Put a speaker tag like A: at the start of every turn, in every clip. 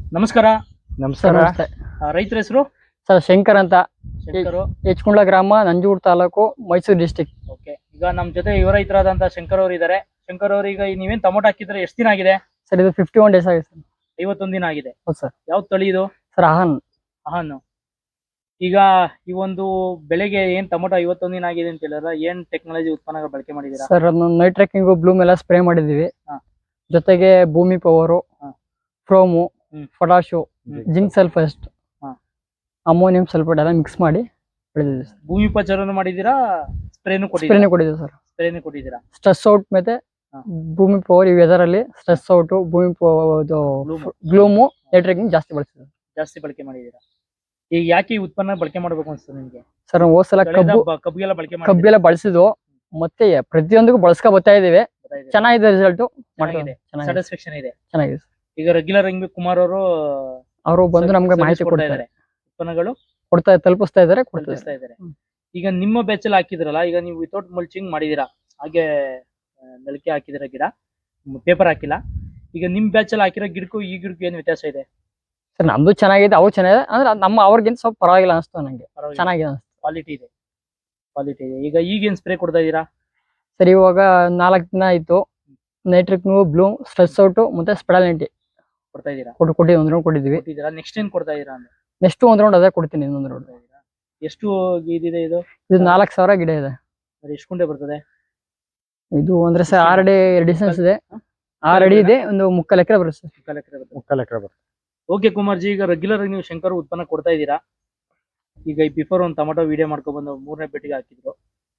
A: ನಮಸ್ಕಾರ.
B: ನಮಸ್ಕಾರ.
C: ನಮಸ್ತೆ
A: ರೈತರ ಹೆಸರು
C: ಸರ್. ಶಂಕರ್ ಅಂತ,
A: ಶಂಕರು.
C: ಹೆಚ್ಕುಂಡ್ಲ ಗ್ರಾಮ, ನಂಜೂರು ತಾಲೂಕು, ಮೈಸೂರು ಡಿಸ್ಟಿಕ್.
A: ಓಕೆ, ಈಗ ನಮ್ಮ ಜೊತೆ ಯುವ ರೈತರಾದಂತ ಶಂಕರ್ ಅವರು ಇದ್ದಾರೆ. ಶಂಕರ್ ಅವರು, ಈಗ ನೀವೇನ್ ಟೊಮೊಟೊ ಹಾಕಿದ್ರೆ ಎಷ್ಟು ದಿನ ಆಗಿದೆ?
C: ಸರ್ ಇದು 51 ಡೇಸ್ ಆಗಿದೆ ಸರ್.
A: 51 ದಿನ ಆಗಿದೆ.
C: ಹೌದು ಸರ್.
A: ಯಾವ ತಳಿ ಇದು?
C: ಸರ್ ಅಹಾನ್.
A: ಅಹಾನ್. ಈಗ ಈ ಒಂದು ಬೆಳೆಗೆ ಏನ್ ಟೊಮೊಟೊ 51 ದಿನ ಆಗಿದೆ ಅಂತ ಹೇಳಿದ್ರೆ ಏನ್ ಟೆಕ್ನಾಲಜಿ ಉತ್ಪನ್ನಗಳು ಬಳಕೆ ಮಾಡಿದೀರಾ?
C: ಸರ್ ಅದನ್ನ ನೈಟ್ ಟ್ರೆಕ್ಕಿಂಗು, ಬ್ಲೂಮ್ ಎಲ್ಲ ಸ್ಪ್ರೇ ಮಾಡಿದೀವಿ.
A: ಹಾ.
C: ಜೊತೆಗೆ ಭೂಮಿ ಪವರು,
A: ಹಾ.
C: ಫ್ರೋಮು, ಪೊಟಾಶು,
A: ಹ್ಮ್.
C: ಜಿಂಕ್ ಸಲ್ಫೇಟ್,
A: ಹಾ.
C: ಅಮೋನಿಯಂ ಸಲ್ಫೇಟ್ ಎಲ್ಲ ಮಿಕ್ಸ್ ಮಾಡಿ ಬೆಳೆದಿದ್ದೀವಿ ಸರ್.
A: ಭೂಮಿ ಉಪಚಾರನು ಮಾಡಿದೀರಾ, ಸ್ಪ್ರೇನು
C: ಸ್ಪ್ರೇನೇ ಕೊಟ್ಟಿದ್ದೀವಿ ಸರ್.
A: ಸ್ಪ್ರೇನು ಕೊಟ್ಟಿದ್ದೀರಾ?
C: ಸ್ಟ್ರೆಸ್ ಔಟ್ ಮತ್ತೆ
A: ಹಾ.
C: ಭೂಮಿ ಪವರ್, ಈ ವೆದರ್ ಅಲ್ಲಿ ಸ್ಟ್ರೆಸ್ ಔಟ್, ಭೂಮಿ ಗ್ಲೂಮು, ನೈಟ್ ಟ್ರೆಕ್ಕಿಂಗ್ ಜಾಸ್ತಿ ಬಳಸಿದ್ದೀವಿ.
A: ಜಾಸ್ತಿ ಬಳಕೆ ಮಾಡಿದೀರಾ. ಈಗ ಯಾಕೆ ಈ ಉತ್ಪನ್ನ ಬಳಕೆ ಮಾಡ್ಬೇಕು ಅನ್ಸ್ತದೆ ನಿಮ್ಗೆ?
C: ಸರ್ ಹೋದ್ ಸಲ
A: ಕಬ್ಬಿಗೆಲ್ಲ ಬಳಕೆ
C: ಕಬ್ಬಿಗೆಲ್ಲ ಬಳಸಿದ್ವು, ಮತ್ತೆ ಪ್ರತಿಯೊಂದಿಗೂ ಬಳಸ್ಕೊ ಬರ್ತಾ ಇದೀವಿ. ಚೆನ್ನಾಗಿದೆ ರಿಸಲ್ಟ್.
A: ಸ್ಯಾಟಿಸ್ಫ್ಯಾಕ್ಷನ್ ಇದೆ.
C: ಚೆನ್ನಾಗಿದೆ.
A: ಈಗ ರೆಗ್ಯುಲರ್ ಹಿಂಗ್ ಕುಮಾರ್
C: ಅವರು ಬಂದು ನಮ್ಗೆ ಮಾಹಿತಿ ಕೊಡ್ತಾ ಇದ್ದಾರೆ,
A: ಉತ್ಪನ್ನಗಳು
C: ತಲುಪಿಸ್ತಾ ಇದ್ದಾರೆ.
A: ಈಗ ನಿಮ್ಮ ಬೆಚ್ಚಲ್ ಹಾಕಿದ್ರಲ್ಲ, ಈಗ ನೀವು ವಿತೌಟ್ ಮಲ್ಚಿಂಗ್ ಮಾಡಿದೀರಾ, ಹಾಗೆ ನೆಲಕ್ಕೆ ಹಾಕಿದಿರ ಗಿಡ, ಪೇಪರ್ ಹಾಕಿಲ್ಲ. ಈಗ ನಿಮ್ ಬ್ಯಾಚಲ್ಲಿ ಹಾಕಿರೋ ಗಿಡಕ್ಕೂ ಈ ಗಿಡಕ್ಕೂ ಏನ್ ವ್ಯತ್ಯಾಸ ಇದೆ?
C: ಸರ್ ನಮ್ದು ಚೆನ್ನಾಗಿದೆ, ಅವು ಚೆನ್ನಾಗಿದೆ. ಅಂದ್ರೆ ಅವ್ರಿಗಿಂತ ಸ್ವಲ್ಪ ಪರವಾಗಿಲ್ಲ ಅನಿಸ್ತು ನಂಗೆ. ಚೆನ್ನಾಗಿದೆ ಅನಿಸ್ತು.
A: ಕ್ವಾಲಿಟಿ ಇದೆ. ಈಗ ಈಗೇನ್ ಸ್ಪ್ರೇ ಕೊಡ್ತಾ ಇದೀರಾ?
C: ಸರ್ ಇವಾಗ 4 ದಿನ ಆಯ್ತು. ನೈಟ್ರಿಕ್, ಬ್ಲೂಮ್, ಸ್ಟ್ರೆಸ್ ಔಟ್ ಮತ್ತೆ ಸ್ಪೆಡಾಲಿಟಿ
A: ಕೊಡ್ತಾ ಇದೀರಾ?
C: ಒಂದ್ ರೌಂಡ್ ಕೊಟ್ಟಿದ್ವಿ.
A: ನೆಕ್ಸ್ಟ್ ಏನ್ ಕೊಡ್ತಾ ಇದೀರಾ ಅಂದ್ರೆ?
C: ನೆಕ್ಸ್ಟ್ ಒಂದ್ ರೌಂಡ್ ಅದೇ ಕೊಡ್ತೀನಿ, ಇನ್ನೊಂದ್ ರೌಂಡ್.
A: ಎಷ್ಟು ಇದಿದೆ ಇದು?
C: 4,000 ಗಿಡ ಇದೆ.
A: ಎಷ್ಟು ಕುಂಟೆ ಬರ್ತದೆ
C: ಇದು? ಅಂದ್ರೆ ಸರ್ 6 ಅಡಿ ಡಿಸ್ಟೆನ್ಸ್ ಇದೆ. 6 ಅಡಿ ಇದೆ, ಒಂದು 3/4 ಎಕರೆ ಬರುತ್ತೆ ಸರ್.
A: 3/4 ಎಕರೆ ಬರುತ್ತೆ. ಓಕೆ ಕುಮಾರ್ ಜಿ, ಈಗ ರೆಗ್ಯುಲರ್ ನೀವು ಶಂಕರ್ ಉತ್ಪನ್ನ ಕೊಡ್ತಾ ಇದ್ದೀರಾ. ಈಗ ಈ ಬಿಫೋರ್ ಒಂದು ಟೊಮೊಟೊ ವಿಡಿಯೋ ಮಾಡ್ಕೊಂಡ್ ಬಂದು 3ನೇ ಬೆಟ್ಟಿಗೆ ಹಾಕಿದ್ರು.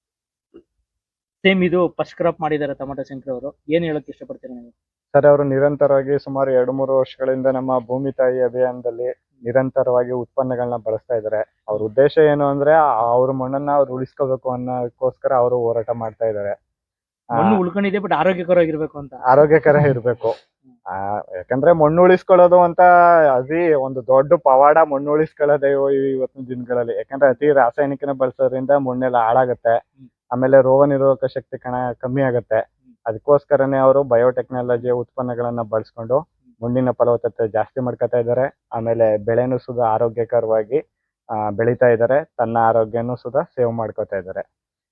A: ಸೇಮ್ ಇದು ಫಸ್ಟ್ ಕ್ರಾಪ್ ಮಾಡಿದ್ದಾರೆ ಟೊಮೊಟೊ ಶಂಕರ್ ಅವರು. ಏನ್ ಹೇಳಕ್ ಇಷ್ಟಪಡ್ತೀರಾ ನೀವು?
B: ಸರ್, ಅವರು ನಿರಂತರವಾಗಿ ಸುಮಾರು 2-3 ವರ್ಷಗಳಿಂದ ನಮ್ಮ ಭೂಮಿ ತಾಯಿ ಅಭಿಯಾನದಲ್ಲಿ ನಿರಂತರವಾಗಿ ಉತ್ಪನ್ನಗಳನ್ನ ಬಳಸ್ತಾ ಇದ್ದಾರೆ. ಅವ್ರ ಉದ್ದೇಶ ಏನು ಅಂದ್ರೆ ಅವ್ರ ಮಣ್ಣನ್ನ ಅವ್ರು ಉಳಿಸ್ಕೋಬೇಕು ಅನ್ನೋದಕ್ಕೋಸ್ಕರ ಅವರು ಹೋರಾಟ ಮಾಡ್ತಾ ಇದ್ದಾರೆ.
A: ಮಣ್ಣು ಉಳ್ಕೊಂಡಿದೆ, ಬಟ್ ಆರೋಗ್ಯಕರವಾಗಿರ್ಬೇಕು ಅಂತ.
B: ಆರೋಗ್ಯಕರ ಇರ್ಬೇಕು. ಯಾಕಂದ್ರೆ ಮಣ್ಣು ಉಳಿಸ್ಕೊಳ್ಳೋದು ಅಂತ ಒಂದು ದೊಡ್ಡ ಪವಾಡ ಮಣ್ಣು ಉಳಿಸ್ಕೊಳ್ಳೋದೇ ಇವತ್ತಿನ ದಿನಗಳಲ್ಲಿ. ಯಾಕಂದ್ರೆ ಅತಿ ರಾಸಾಯನಿಕನ ಬಳಸೋದ್ರಿಂದ ಮಣ್ಣೆಲ್ಲ ಹಾಳಾಗತ್ತೆ. ಆಮೇಲೆ ರೋಗ ನಿರೋಧಕ ಶಕ್ತಿ ಕಮ್ಮಿ ಆಗತ್ತೆ. ಅದಕ್ಕೋಸ್ಕರನೇ ಅವರು ಬಯೋಟೆಕ್ನಾಲಜಿ ಉತ್ಪನ್ನಗಳನ್ನ ಬಳಸ್ಕೊಂಡು ಮಣ್ಣಿನ ಫಲವತ್ತತೆ ಜಾಸ್ತಿ ಮಾಡ್ಕೊತಾ ಇದ್ದಾರೆ. ಆಮೇಲೆ ಬೆಳೆನೂ ಸುಧಾ ಆರೋಗ್ಯಕರವಾಗಿ ಬೆಳೀತಾ ಇದ್ದಾರೆ. ತನ್ನ ಆರೋಗ್ಯನೂ ಸುಧಾ ಸೇವ್ ಮಾಡ್ಕೋತಾ ಇದ್ದಾರೆ.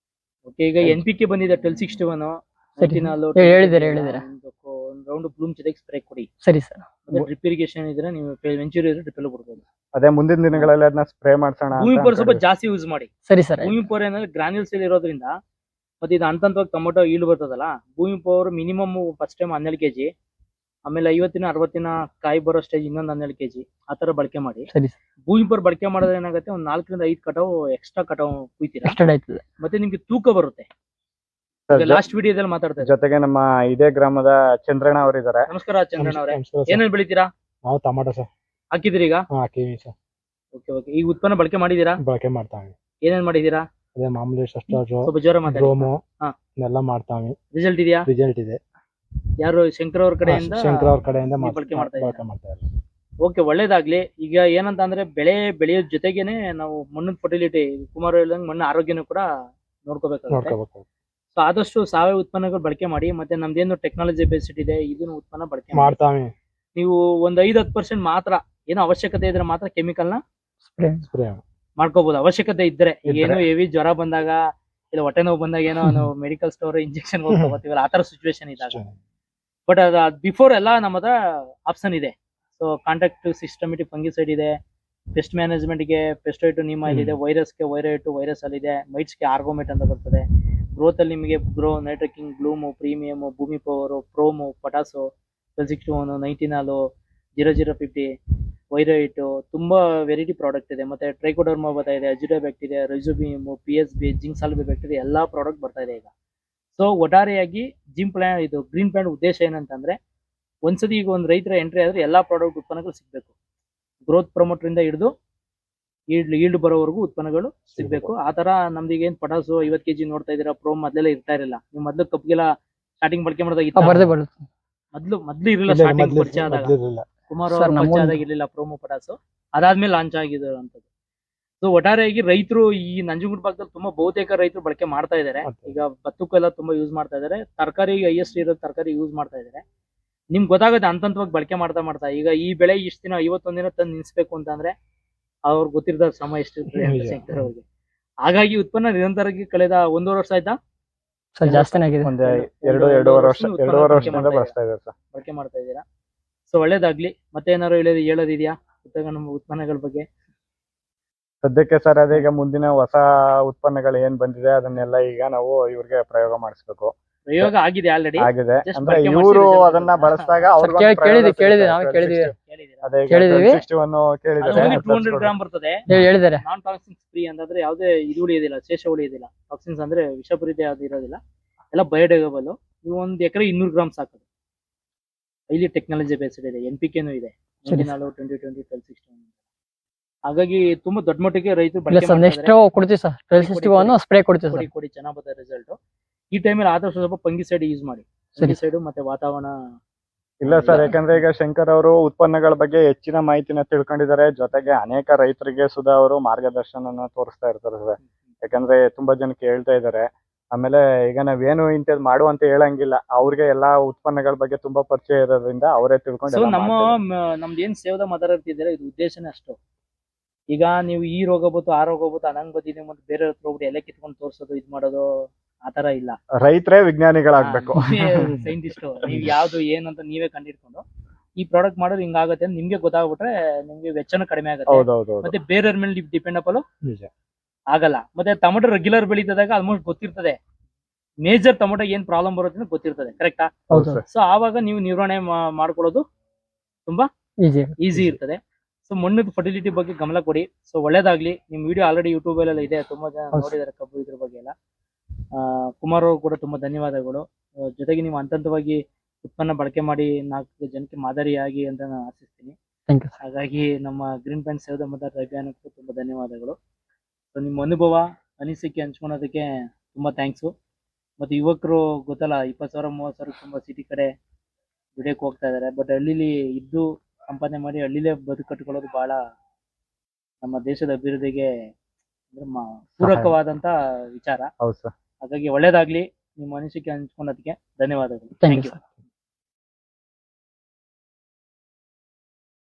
A: ಈಗ NPK ಬಂದಿದೆ 1261
C: ಹೇಳಿದ್ದಾರೆ.
A: ಒಂದು ರೌಂಡ್ ಬ್ಲೂಮ್ ಜೊತೆಗೆ ಸ್ಪ್ರೇ ಕೊಡಿ.
C: ಸರಿ ಸರ್.
A: ಡ್ರಿಪ್ ಇರಿಗೇಷನ್ ಇದ್ರೆ ನೀವು ವೆಂಚೂರಿ ಇದ್ರೆ ಡ್ರಿಪ್ ಬಿಡ್ಬೋದು.
B: ಅದೇ ಮುಂದಿನ ದಿನಗಳಲ್ಲಿ ಅದನ್ನ ಸ್ಪ್ರೇ ಮಾಡ್ಸೋಣ.
A: ಭೂಮಿ ಪವರ್ ಸ್ವಲ್ಪ ಜಾಸ್ತಿ ಯೂಸ್ ಮಾಡಿ.
C: ಸರಿ ಸರ್.
A: ಭೂಮಿ ಪವರ್ ಏನಂದ್ರೆ ಗ್ರಾನ್ಯೂಲ್ಸ್ ಇರೋದ್ರಿಂದ, ಮತ್ತೆ ಇದು ಹಂತವಾಗಿ ಟೊಮೊಟೊ ಈಲ್ಡ್ ಬರ್ತದಲ್ಲ, Bhoomi power minimum first time 12 kg, ಆಮೇಲೆ 50-60 ದಿನ ಕಾಯಿ ಬರೋ ಸ್ಟೇಜ್ ಇನ್ನೊಂದು 12 kg, ಆ ತರ ಬಳಕೆ ಮಾಡಿ. ಭೂಮಿ ಪವರ್ ಬಳಕೆ ಮಾಡಿದ್ರೆ ಏನಾಗುತ್ತೆ, ಒಂದು 4-5 ಕಟಾವು ಎಕ್ಸ್ಟ್ರಾ ಕಟಾವು ಕುಯ್ತೀರಾ, ಮತ್ತೆ ನಿಮ್ಗೆ ತೂಕ ಬರುತ್ತೆ. ಲಾಸ್ಟ್ ವಿಡಿಯೋದಲ್ಲಿ ಮಾತಾಡ್ತಾರೆ.
B: ಜೊತೆಗೆ ನಮ್ಮ ಇದೇ ಗ್ರಾಮದ ಚಂದ್ರಣ್ಣ ಅವರು ಇದ್ದಾರೆ.
A: ನಮಸ್ಕಾರ ಚಂದ್ರಣ್ಣ ಅವರೇ, ಏನೇನ್ ಬೆಳಿತೀರಾ?
D: ನಾವು ಟೊಮಾಟೊ ಸರ್
A: ಹಾಕಿದಿರಿ ಈಗ?
D: ಹಾಕಿವಿ ಸರ್.
A: ಓಕೆ. ಈ ಉತ್ಪನ್ನ ಬಳಕೆ ಮಾಡಿದೀರಾ?
D: ಬಳಕೆ ಮಾಡ್ತಾವೆ.
A: ಏನೇನ್ ಮಾಡಿದೀರಾ?
D: ಅದೇ ಮಾಮೂಲಿ ಸಸ್ಟಾಜು,
A: ಸ್ವಲ್ಪ ಜೋರ ಮಾತಾಡಿ.
D: ರೋಮು ಎಲ್ಲ ಮಾಡ್ತಾವೆ.
A: ರಿಸಲ್ಟ್ ಇದೆಯಾ?
D: ರಿಸಲ್ಟ್ ಇದೆ.
A: ಯಾರು ಶಂಕರ್ ಅವ್ರ ಕಡೆಯಿಂದ?
D: ಶಂಕರ್ ಅವ್ರ ಕಡೆಯಿಂದ
A: ಬಳಕೆ ಮಾಡ್ತಾ
D: ಇದ್ದಾರೆ.
A: ಓಕೆ, ಒಳ್ಳೇದಾಗ್ಲಿ. ಈಗ ಏನಂತ ಅಂದ್ರೆ ಬೆಳೆಯೋ ಜೊತೆಗೇನೆ ನಾವು ಮಣ್ಣಿನ ಫರ್ಟಿಲಿಟಿ, ಕುಮಾರ್ ಹೇಳ್ದಂಗೆ ಮಣ್ಣಿನ ಆರೋಗ್ಯನೂ ಕೂಡ ನೋಡ್ಕೋಬೇಕಾಗುತ್ತೆ. ಸೊ ಆದಷ್ಟು ಸಾವಯವ ಉತ್ಪನ್ನಗಳು ಬಳಕೆ ಮಾಡಿ. ಮತ್ತೆ ನಮ್ದೇನು ಟೆಕ್ನಾಲಜಿ ಬೇಸ್ಡ್ ಇದೆ, ಇದನ್ನು ಉತ್ಪನ್ನ ಬಳಕೆ ಮಾಡ್ತಾವೆ. ನೀವು ಒಂದು 5-10% ಮಾತ್ರ ಏನೋ ಅವಶ್ಯಕತೆ ಇದ್ರೆ ಮಾತ್ರ ಕೆಮಿಕಲ್ ನ
D: ಸ್ಪ್ರೇ
A: ಮಾಡ್ಕೋಬಹುದು, ಅವಶ್ಯಕತೆ ಇದ್ರೆ. ಏನು ಹೆವಿ ಜ್ವರ ಬಂದಾಗ, ಇಲ್ಲ ಹೊಟ್ಟೆ ನೋವು ಬಂದಾಗ ಏನೋ ನಾವು ಮೆಡಿಕಲ್ ಸ್ಟೋರ್ ಇಂಜೆಕ್ಷನ್ ಹೋಗ್ತೀವಲ್ಲ, ಆ ತರ ಸಿಚುವೇಶನ್ ಇದ್ದಾಗ. ಬಟ್ ಅದ ಬಿಫೋರ್ ಎಲ್ಲ ನಮ್ಮದ ಆಪ್ಷನ್ ಇದೆ. ಸೊ ಕಾಂಟ್ಯಾಕ್ಟ್ ಸಿಸ್ಟಮೆಟಿಕ್ ಫಂಗಿಸೈಡ್ ಇದೆ, ಪೆಸ್ಟ್ ಮ್ಯಾನೇಜ್ಮೆಂಟ್ ಗೆ ಪೆಸ್ಟೋಯಿಟ್ ನಿಮಾಯಿಲ್ ಇದೆ, ವೈರಸ್ಗೆ ವೈರೈಟ್ ವೈರಸ್ ಅಲ್ಲಿ ಇದೆ, ಮೈಟ್ಸ್ಗೆ ಆರ್ಗೋಮೇಟ್ ಅಂತ ಬರ್ತದೆ. ಗ್ರೋತ್ ಅಲ್ಲಿ ನಿಮಗೆ night trekking, bloom, premium, Bhoomi power, prom, potash, 1261, 19 0050, ವೈರೈಟ್, ತುಂಬಾ ವೆರೈಟಿ ಪ್ರಾಡಕ್ಟ್ ಇದೆ. ಮತ್ತೆ ಟ್ರೈಕೋಡರ್ಮಾ ಬರ್ತಾ ಇದೆ, ಅಜಿಡೋಬ್ಯಾಕ್ಟ್ ಇದೆ, ರೈಜೋಬಿಯಮ್, PSB, ಜಿಂಕ್ ಸಾಲ್ಬಿಬ್ಯಾಕ್ಟ್ ಇದೆ, ಎಲ್ಲಾ ಪ್ರಾಡಕ್ಟ್ ಬರ್ತಾ ಇದೆ ಈಗ. ಸೊ ಒಟ್ಟಾರೆಯಾಗಿ ಗ್ರೀನ್ ಪ್ಲಾಂಟ್ ಉದ್ದೇಶ ಏನಂತಂದ್ರೆ, ಒಂದ್ಸತಿ ಈಗ ಒಂದು ರೈತರ ಎಂಟ್ರಿ ಆದ್ರೆ ಎಲ್ಲಾ ಪ್ರಾಡಕ್ಟ್ ಉತ್ಪನ್ನಗಳು ಸಿಗ್ಬೇಕು. ಗ್ರೋತ್ ಪ್ರಮೋಟರ್ ಇಂದ ಹಿಡಿದು ಈಲ್ಡ್ ಬರೋವರೆಗೂ ಉತ್ಪನ್ನಗಳು ಸಿಗ್ಬೇಕು. ಆ ತರ ನಮ್ದೀಗ ಏನ್ ಪಟಾಸು 50 kg ನೋಡ್ತಾ ಇದೀರಾ, ಪ್ರೋಮ್ ಮೊದಲೆಲ್ಲ ಇರ್ತಾ ಇರಲಿಲ್ಲ. ನೀವು ಮೊದ್ಲು ಕಬ್ಗೆಲ್ಲ ಸ್ಟಾರ್ಟಿಂಗ್ ಬಳಕೆ ಮಾಡಿದಾಗ ಮೊದ್ಲು ಇರಲಿಲ್ಲ. ಸ್ಟಾರ್ಟಿಂಗ್ ಪರಿಚಯ ಆದಾಗ ಕುಮಾರ್ ಅವರು ಪರಿಚಯ ಆದಾಗ ಇರ್ಲಿಲ್ಲ ಪ್ರೋಮೋ ಪಟಾಸು. ಅದಾದ್ಮೇಲೆ ಲಾಂಚ್ ಆಗಿರುವಂತದ್ದು. ಸೊ ಒಟ್ಟಾರೆಯಾಗಿ ರೈತರು ಈ ನಂಜನಗೂಡು ಭಾಗದಲ್ಲಿ ತುಂಬಾ ಬಹುತೇಕ ರೈತರು ಬಳಕೆ ಮಾಡ್ತಾ ಇದಾರೆ. ಈಗ ಭತ್ತಕ್ಕೆಲ್ಲ ತುಂಬಾ ಯೂಸ್ ಮಾಡ್ತಾ ಇದಾರೆ. ತರಕಾರಿ ಹೈಯೆಸ್ಟ್ ಇರೋ ತರಕಾರಿ ಯೂಸ್ ಮಾಡ್ತಾ ಇದಾರೆ. ನಿಮ್ಗೆ ಗೊತ್ತಾಗುತ್ತೆ ಹಂತವಾಗಿ ಬಳಕೆ ಮಾಡ್ತಾ ಮಾಡ್ತಾ. ಈಗ ಈ ಬೆಳೆ ಇಷ್ಟ ದಿನ 51 ದಿನ ತಂದು ನಿಲ್ಸ್ಬೇಕು ಅಂತಂದ್ರೆ ಅವ್ರಿಗೆ ಗೊತ್ತಿರದ ಶ್ರಮ ಎಷ್ಟಿರ್ತದೆ ಅಂತ
D: ನಿಜ.
A: ಶಂಕರ್ ಅವ್ರಿಗೆ. ಹಾಗಾಗಿ ಉತ್ಪನ್ನ ನಿರಂತರವಾಗಿ ಕಳೆದ 1.5 ವರ್ಷ ಆಯ್ತಾ
C: ಸರ್ ಜಾಸ್ತಿನೇ ಆಗಿದೆ.
B: ಒಂದ್
A: ಎರಡೂವರೆ
B: ಎರಡೂವರೆ
A: ಉತ್ಪನ್ನ
B: ವರ್ಷದಿಂದ
A: ಬಳಕೆ
B: ಬಳಸ್ತಾ ಇದ್ದಾರೆ ಸರ್.
A: ಬಳಕೆ ಮಾಡ್ತಾ ಇದ್ದೀರಾ. ಸೊ ಒಳ್ಳೇದಾಗ್ಲಿ. ಮತ್ತೆ ಏನಾದ್ರು ಹೇಳೋದಿದ್ಯಾ ನಮ್ಮ ಉತ್ಪನ್ನಗಳ ಬಗ್ಗೆ?
B: ಸದ್ಯಕ್ಕೆ ಸರ್ ಅದೇ ಈಗ ಮುಂದಿನ ಹೊಸ ಉತ್ಪನ್ನಗಳು ಏನ್ ಬಂದಿದೆ ಅದನ್ನೆಲ್ಲ ಈಗ ನಾವು ಇವ್ರಿಗೆ ಪ್ರಯೋಗ ಮಾಡಿಸ್ಬೇಕು.
A: ಪ್ರಯೋಗ ಆಗಿದೆ ಆಲ್ರೆಡಿ.
B: ಆಗಿದೆ
A: Just
B: ಅಂದ್ರೆ
A: ಬಳಕೆ
B: ಇವರು
A: ಮಾಡ್ಸಿರೋ
B: ಅದನ್ನ
A: ಜನ.
B: ಬಳಸಿದಾಗ
C: ಕೇಳಿದ್ವಿ ನಾವು ಕೇಳಿದ್ವಿ.
B: ಅದೇ
C: ಕೇಳಿದೀವಿ.
B: 1261 ಕೇಳಿದ್ದಾರೆ.
A: 200 ಗ್ರಾಮ್ ಬರ್ತದೆ.
C: ಹೇಳಿದ್ದಾರೆ.
A: ನಾನ್ ಟಾಕ್ಸಿನ್ಸ್ ಫ್ರೀ ಅಂತಂದ್ರೆ ಯಾವುದೇ ಇದು ಉಳಿಯೋದಿಲ್ಲ, ಶೇಷ ಉಳಿಯೋದಿಲ್ಲ. ಟಾಕ್ಸಿನ್ಸ್ ಅಂದ್ರೆ ವಿಷಪೂರಿತ ಯಾವ್ದು ಇರೋದಿಲ್ಲ, ಎಲ್ಲ ಬಯೋಡಿಗ್ರೇಡಬಲ್. ನೀವು 1 ಎಕರೆ 200 ಗ್ರಾಮ್ ಸಾಕೋದು. ಹೈಲಿ ಟೆಕ್ನಾಲಜಿ ಬೇಸ್ಡ್ ಇದೆ. NPK ಇದೆ.
C: ಸರಿ.
A: 2020 ಹಾಗಾಗಿ ತುಂಬಾ ದೊಡ್ಡ ಮಟ್ಟಿಗೆ ರೈತರು
C: ಇಲ್ಲ
A: ಬಳಕೆ
C: ಸರ್
A: ಮಾಡ್ತಾ
C: ನೆಕ್ಸ್ಟ್
A: ಇದ್ದಾರೆ.
C: ಕೊಡ್ತೀವಿ ಸರ್.
A: ಕೊಡಿ.
C: 1261 ಸ್ಪ್ರೇ ಕೊಡ್ತೀವಿ
A: ಕೊಡಿ
C: ಸರ್.
A: ಕೊಡಿ ಚೆನ್ನಾಗ್ ಬರ್ತದೆ ರಿಸಲ್ಟ್. ಈ ಟೈಮಲ್ಲಿ ಆದಷ್ಟು ಸ್ವಲ್ಪ ಫಂಗಿಸೈಡ್ ಯೂಸ್ ಮಾಡಿ.
C: ಸರಿ.
A: ಫಂಗಿಸೈಡ್ ಮತ್ತೆ ವಾತಾವರಣ.
B: ಇಲ್ಲ ಸರ್, ಯಾಕಂದ್ರೆ ಈಗ ಶಂಕರ್ ಅವರು ಉತ್ಪನ್ನಗಳ ಬಗ್ಗೆ ಹೆಚ್ಚಿನ ಮಾಹಿತಿನ ತಿಳ್ಕೊಂಡಿದ್ದಾರೆ. ಜೊತೆಗೆ ಅನೇಕ ರೈತರಿಗೆ ಸುಧಾ ಅವರು ಮಾರ್ಗದರ್ಶನ ತೋರಿಸ್ತಾ ಇರ್ತಾರೆ ಸರ್. ಯಾಕಂದ್ರೆ ತುಂಬಾ ಜನಕ್ಕೆ ಹೇಳ್ತಾ ಇದ್ದಾರೆ. ಆಮೇಲೆ ಈಗ ನಾವೇನು ಇಂಥದ್ ಮಾಡು ಅಂತ ಹೇಳಂಗಿಲ್ಲ, ಅವ್ರಿಗೆ ಎಲ್ಲಾ ಉತ್ಪನ್ನಗಳ ಬಗ್ಗೆ ತುಂಬಾ ಪರಿಚಯ ಇರೋದ್ರಿಂದ ಅವರೇ ತಿಳ್ಕೊಂಡು
A: ಸೊ
B: ಎಲ್ಲ ಮಾಡ್ತಾರೆ.
A: ನಮ್ದು ಏನ್ ಸೇವದ ಮಾತಾಡ್ತಿದ್ದೀರಾ ಇದು ಉದ್ದೇಶನೇ ಅಷ್ಟು. ಈಗ ನೀವು ಈ ರೋಗ ಬಂತು ಆ ರೋಗ ಬಂತು ಅನಂಗ್ ಬಂದಿದೆ ಮತ್ತೆ ಬೇರೆ ಹತ್ರ ಹೋಗ್ಬಿಟ್ಟು ಎಲೆ ಕಿತ್ಕೊಂಡು ತೋರ್ಸೋದು ಇದ್ ಮಾಡೋದು ಆತರ ಇಲ್ಲ.
B: ರೈತರೇ ವಿಜ್ಞಾನಿಗಳಾಗ್ಬೇಕು.
A: ಸೈಂಟಿಸ್ಟ್ ನೀವ್ ಯಾವ್ದು ಏನಂತ ನೀವೇ ಕಂಡಿಡ್ಕೊಂಡು ಈ ಪ್ರಾಡಕ್ಟ್ ಮಾಡೋದು ಹಿಂಗಾಗತ್ತೆ ಅಂತ ನಿಮ್ಗೆ ಗೊತ್ತಾಗ್ಬಿಟ್ರೆ ನಿಮ್ಗೆ ವೆಚ್ಚನೂ ಕಡಿಮೆ ಆಗುತ್ತೆ.
B: ಹೌದೌದು.
A: ಮತ್ತೆ ಬೇರೆಯವ್ರ ಮೇಲೆ ಡಿಪೆಂಡ್ ಅಪಲು
D: ನಿಜ.
A: ಆಗಲ್ಲ. ಮತ್ತೆ ಟೊಮೊಟೊ ರೆಗ್ಯುಲರ್ ಬೆಳೀತದಾಗ ಆಲ್ಮೋಸ್ಟ್ ಗೊತ್ತಿರ್ತದೆ ಮೇಜರ್ ಟೊಮೊಟೊ ಏನ್ ಪ್ರಾಬ್ಲಮ್ ಬರುತ್ತೆ ಅಂತ ಗೊತ್ತಿರ್ತದೆ. ಕರೆಕ್ಟಾ?
C: ಹೌದು
A: ಸೊ ಆವಾಗ ನೀವು ನಿರ್ವಹಣೆ ಮಾಡ್ಕೊಳ್ಳೋದು
C: ಈಜಿ.
A: ಈಸಿ ಇರ್ತದೆ. ಸೊ ಮಣ್ಣದ ಫರ್ಟಿಲಿಟಿ ಬಗ್ಗೆ ಗಮನ ಕೊಡಿ. ಸೊ ಒಳ್ಳೇದಾಗ್ಲಿ. ನಿಮ್ ವಿಡಿಯೋ ಆಲ್ರೆಡಿ ಯೂಟ್ಯೂಬ್ ಅಲ್ಲೆಲ್ಲ ಇದೆ, ತುಂಬಾ ಜನ
C: ಹೌದು.
A: ನೋಡಿದ್ದಾರೆ ಕಬ್ಬು ಇದ್ರ ಬಗ್ಗೆ ಎಲ್ಲ. ಕುಮಾರ್ ಅವರು ಕೂಡ ತುಂಬಾ ಧನ್ಯವಾದಗಳು. ಜೊತೆಗೆ ನೀವು ಹಂತವಾಗಿ ಉತ್ಪನ್ನ ಬಳಕೆ ಮಾಡಿ 4 ಜನಕ್ಕೆ ಮಾದರಿಯಾಗಿ ಅಂತ ನಾನು ಆಶಿಸ್ತೀನಿ.
C: Thank you.
A: ಹಾಗಾಗಿ ನಮ್ಮ ಗ್ರೀನ್ ಪ್ಯಾಂಟ್ ಸೇವದ ಮತ್ತು ಅಭಿಯಾನಕ್ಕೂ ತುಂಬಾ ಧನ್ಯವಾದಗಳು. ಸೊ ನಿಮ್ಮ ಅನುಭವ ಅನಿಸಿಕೆ ಹಂಚ್ಕೊಳೋದಕ್ಕೆ ತುಂಬಾ ಥ್ಯಾಂಕ್ಸು. ಮತ್ತೆ ಯುವಕರು ಗೊತ್ತಲ್ಲ 20,000 30,000 ತುಂಬಾ ಸಿಟಿ ಕಡೆ ದುಡಿಯಕ್ಕೆ ಹೋಗ್ತಾ ಇದಾರೆ. ಬಟ್ ಹಳ್ಳಿಲಿ ಇದ್ದು ಸಂಪಾದನೆ ಮಾಡಿ ಹಳ್ಳಿಲೇ ಬದುಕು ಕಟ್ಕೊಳ್ಳೋದು ಬಹಳ ನಮ್ಮ ದೇಶದ ಅಭಿವೃದ್ಧಿಗೆ ಅಂದ್ರೆ ಪೂರಕವಾದಂತ ವಿಚಾರ.
B: ಹೌದು ಸರ್.
A: ಹಾಗಾಗಿ ಒಳ್ಳೇದಾಗ್ಲಿ. ನಿಮ್ಮ ಅನಿಸಿಕೆ ಹಂಚ್ಕೊಳೋದಕ್ಕೆ ಧನ್ಯವಾದಗಳು.
C: Thank
A: thank
C: you
A: you.
C: Sir.